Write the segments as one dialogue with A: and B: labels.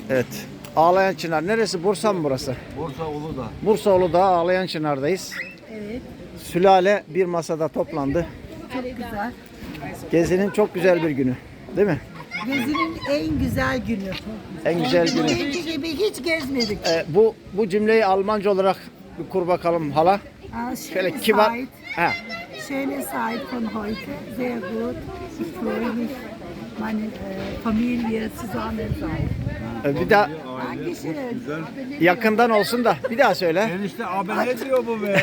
A: Evet. Ağlayan Çınar. Neresi? Bursa mı burası?
B: Bursa Uludağ.
A: Bursa Uludağ Ağlayan Çınar'dayız.
C: Evet.
A: Sülale bir masada toplandı.
C: Çok güzel.
A: Gezinin çok güzel bir günü. Değil mi?
C: Gezinin en güzel günü.
A: En güzel günü.
C: Önceki gibi hiç gezmedik.
A: Bu cümleyi Almanca olarak bir kur bakalım hala. Şöyle kibar. Ha.
C: Schöne Zeit von heute. Sehr gut. Ich freue mich, meine Familie zusammen sein.
A: Bir daha
C: Dankeschön.
A: yakından olsun da bir daha söyle.
B: Enişte abi ne diyor bu be?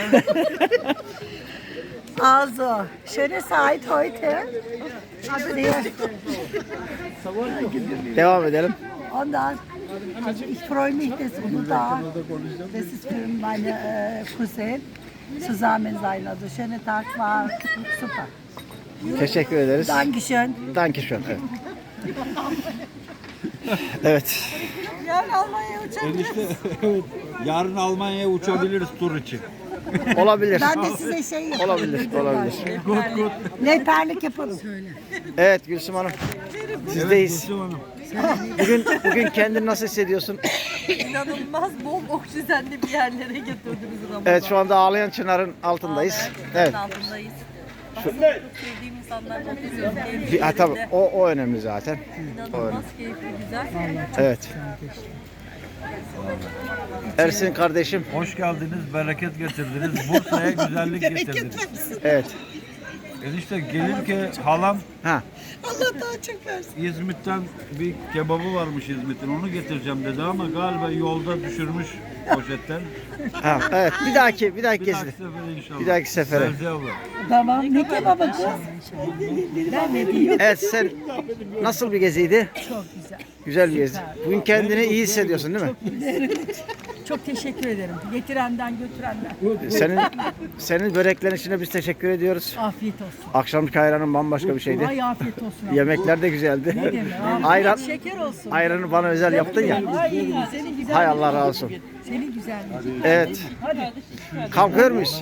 C: Also, schöne Zeit heute. Sehr.
A: Devam edelim.
C: Ondan, also ich freue mich, dass Uludağ, das ist für meine Cousin zusammen sein. Also schöner Tag war super.
A: Teşekkür ederiz.
C: Dankeschön.
A: Dankeschön. Evet. Evet.
C: Yarın Almanya'ya uçabiliriz.
B: Enişte evet. Yarın Almanya'ya uçabiliriz tur için.
A: Olabilir.
C: Ben de size şey yaparım.
A: Olabilir. Olabilir.
C: Rehberlik yaparım.
A: Evet Gülsüm Hanım. Sizdeyiz.
B: Gülsüm Hanım.
A: Bugün kendini nasıl hissediyorsun?
D: İnanılmaz bol oksijenli bir yerlere götürdünüz Ramazan.
A: Evet şu anda Ağlayan Çınar'ın altındayız. Evet.
D: Altındayız. Aslında çok sevdiğim insanlarla oturuyoruz.
A: Tabii o önemli zaten.
D: İnanılmaz keyifli, güzel.
A: Evet. Ersin kardeşim.
B: Hoş geldiniz, bereket getirdiniz. Bursa'ya güzellik getirdiniz.
A: Evet.
B: Enişte gelirken halam
A: Ha.
C: Allah daha çok versin.
B: İzmit'ten bir kebabı varmış İzmit'in. Onu getireceğim dedi ama galiba yolda düşürmüş poşetten.
A: Ha. Evet. Bir dahaki
B: Bir dahaki
A: gezi.
B: sefere inşallah.
A: Bir dahaki sefere.
B: Sevdi abla.
C: Tamam. Ne kebabı kız? Ben ne diyeyim?
A: Evet sen nasıl bir geziydi?
E: Çok güzel.
A: Güzel bir gezi. Bugün kendini iyi hissediyorsun değil mi?
E: Çok teşekkür ederim. Getirenden götürenden.
A: Senin böreklerin için biz teşekkür ediyoruz.
E: Afiyet olsun.
A: Akşamki ayranın bambaşka bir şeydi.
E: Ay afiyet olsun.
A: Yemekler de güzeldi.
E: Ne demek? Afiyet
A: Ayran,
E: şeker olsun.
A: ayranı bana özel yaptın ya.
E: Ay senin güzel.
A: Hay Allah razı olsun.
E: Senin güzelliğin.
A: Evet.
E: Hadi.
A: Kalkıyor muyuz?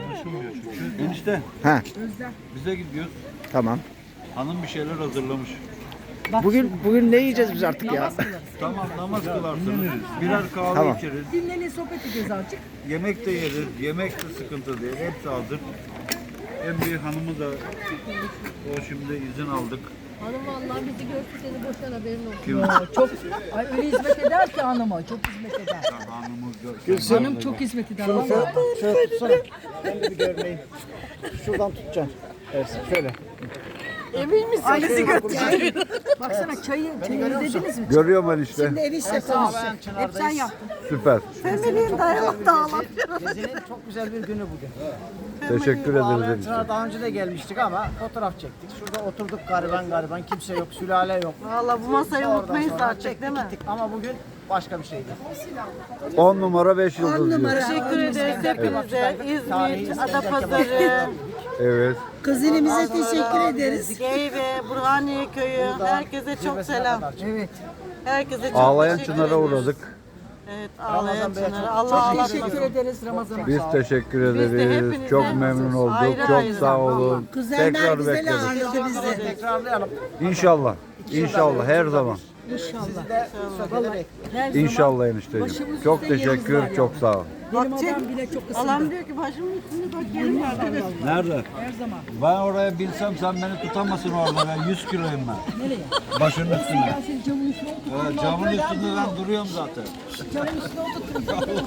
B: Enişte
A: Ha.
B: bize gidiyoruz.
A: Tamam.
B: Hanım bir şeyler hazırlamış.
A: Bugün ne yiyeceğiz biz artık ya?
B: Tamam namaz kılarsınız. Birer kahve
A: Tamam.
B: içeriz.
E: Dinlenin sohbet edeceğiz azıcık.
B: Yemek de yeriz. Yemek de sıkıntı değil. Hepsi hazır. En büyük hanımı da o şimdi izin aldık.
D: Hanım vallahi bizi görsün seni boşver haberin olsun.
B: Kim?
E: Çok ay öyle hizmet eder ki hanıma. Çok hizmet eder.
B: Hanımı
E: Hanım çok hizmet eder. Vallahi.
A: Şöyle tutsana. Ben de bir görmeyeyim. Şuradan tutacaksın. Evet, şöyle.
D: Emin misin?
E: Ailesi götürecek. Baksana çayı izlediniz mi?
B: Görüyorum ben işte.
C: Enişte konuşsun.
E: Hep sen yaptın.
B: Süper.
C: Feminin dayalı dağlar.
A: Gezinin çok güzel bir günü bugün.
B: Teşekkür ederiz.
A: Daha önce de gelmiştik ama fotoğraf çektik. Şurada oturduk gariban kimse yok, sülale yok.
D: Valla bu masayı
A: Oradan
D: unutmayın
A: sonra
D: saat
A: çektik
D: değil mi?
A: gittik ama bugün başka bir şeydi.
B: 10 numara 5 yıldız diyor.
D: Teşekkür ederiz hepinize. İzmit, Adapazarı,
B: Evet.
C: Kuzenimize teşekkür ederiz.
D: Geyve, Burhaniye Köyü. Herkese çok selam.
E: Evet.
D: Herkese çok
B: Ağlayan
D: teşekkür
B: Çınar'a
D: ediyoruz.
B: uğradık.
D: Evet, Ağlayan Çınar'a. Allah Allah
E: Teşekkür ederiz Ramazan'a.
B: Biz teşekkür
D: Biz de
B: ederiz.
D: hepinize
B: Çok memnun olduk.
D: ayrı
B: Çok
D: ayrı.
B: sağ olun.
C: Kuzenler
B: Tekrar
C: güzel
B: bekleriz.
C: ağırladı bizi.
A: Tekrarlayalım.
B: İnşallah. İnşallah her zaman.
A: Sizi de sohbete bekliyoruz.
B: İnşallah enişteciğim. Çok teşekkür. Çok sağ ol.
E: Benim adam bile çok ısındı.
D: Allah'ım diyor ki başımın üstünde bak yerim var.
B: Nerede?
E: Her zaman.
B: Ben oraya bilsem sen beni tutamazsın orada. Ben 100 kiloyum ben.
E: Nereye?
B: Başının üstünde.
E: Ben senin camın üstüne oturttum.
B: Evet, camın üstünde ben duruyorum zaten.
E: Camın üstüne oturttum.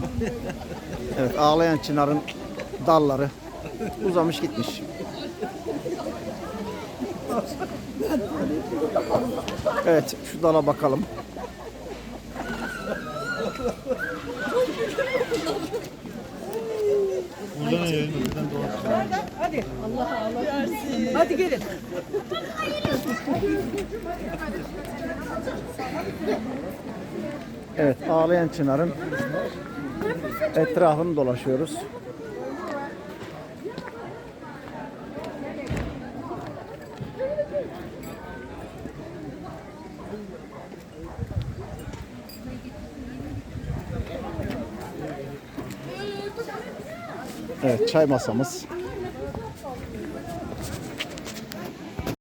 A: Evet, Ağlayan Çınar'ın dalları uzamış gitmiş. Evet, şu dala bakalım.
E: Hadi. Allah versin. Hadi gelin.
A: Evet, Ağlayan Çınar'ın etrafını dolaşıyoruz. Evet, çay masamız.